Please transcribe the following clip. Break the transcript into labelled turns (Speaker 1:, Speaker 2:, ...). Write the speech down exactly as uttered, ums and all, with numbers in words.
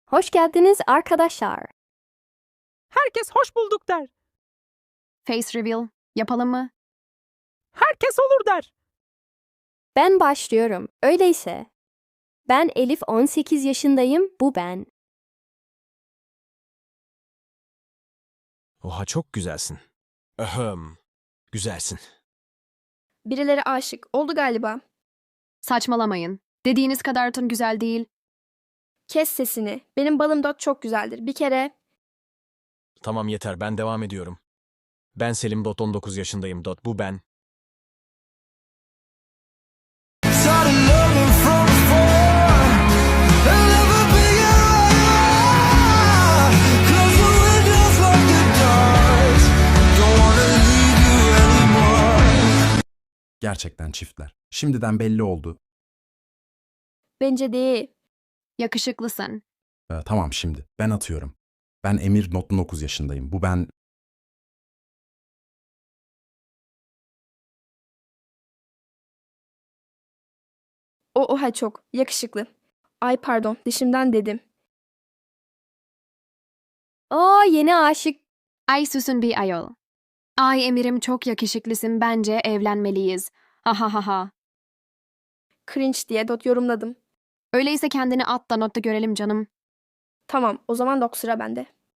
Speaker 1: Hoş geldiniz arkadaşlar.
Speaker 2: Herkes hoş bulduk der.
Speaker 3: Face reveal yapalım mı?
Speaker 2: Herkes olur der.
Speaker 1: Ben başlıyorum. Öyleyse. Ben Elif, on sekiz yaşındayım. Bu ben.
Speaker 4: Oha çok güzelsin. Ahem. Güzelsin.
Speaker 5: Birileri aşık oldu galiba.
Speaker 3: Saçmalamayın. Dediğiniz kadar tın güzel değil.
Speaker 5: Kes sesini. Benim balım dot çok güzeldir. Bir kere
Speaker 4: Tamam yeter ben devam ediyorum. Ben Selim Dot on dokuz yaşındayım Dot bu ben.
Speaker 6: Gerçekten çiftler. Şimdiden belli oldu.
Speaker 5: bence değil.
Speaker 3: Yakışıklısın.
Speaker 6: Ee, tamam şimdi. Ben atıyorum. Ben Emir Not on dokuz yaşındayım. Bu ben...
Speaker 5: O oha çok yakışıklı. Ay pardon dişimden dedim.
Speaker 1: Aa, yeni aşık.
Speaker 3: Ay susun bir ayol. Ay Emir'im çok yakışıklısın, bence evlenmeliyiz. Ha ha ha ha.
Speaker 5: Cringe diye dot yorumladım.
Speaker 3: Öyleyse kendini at da notta görelim canım.
Speaker 5: Tamam o zaman dok sıra bende.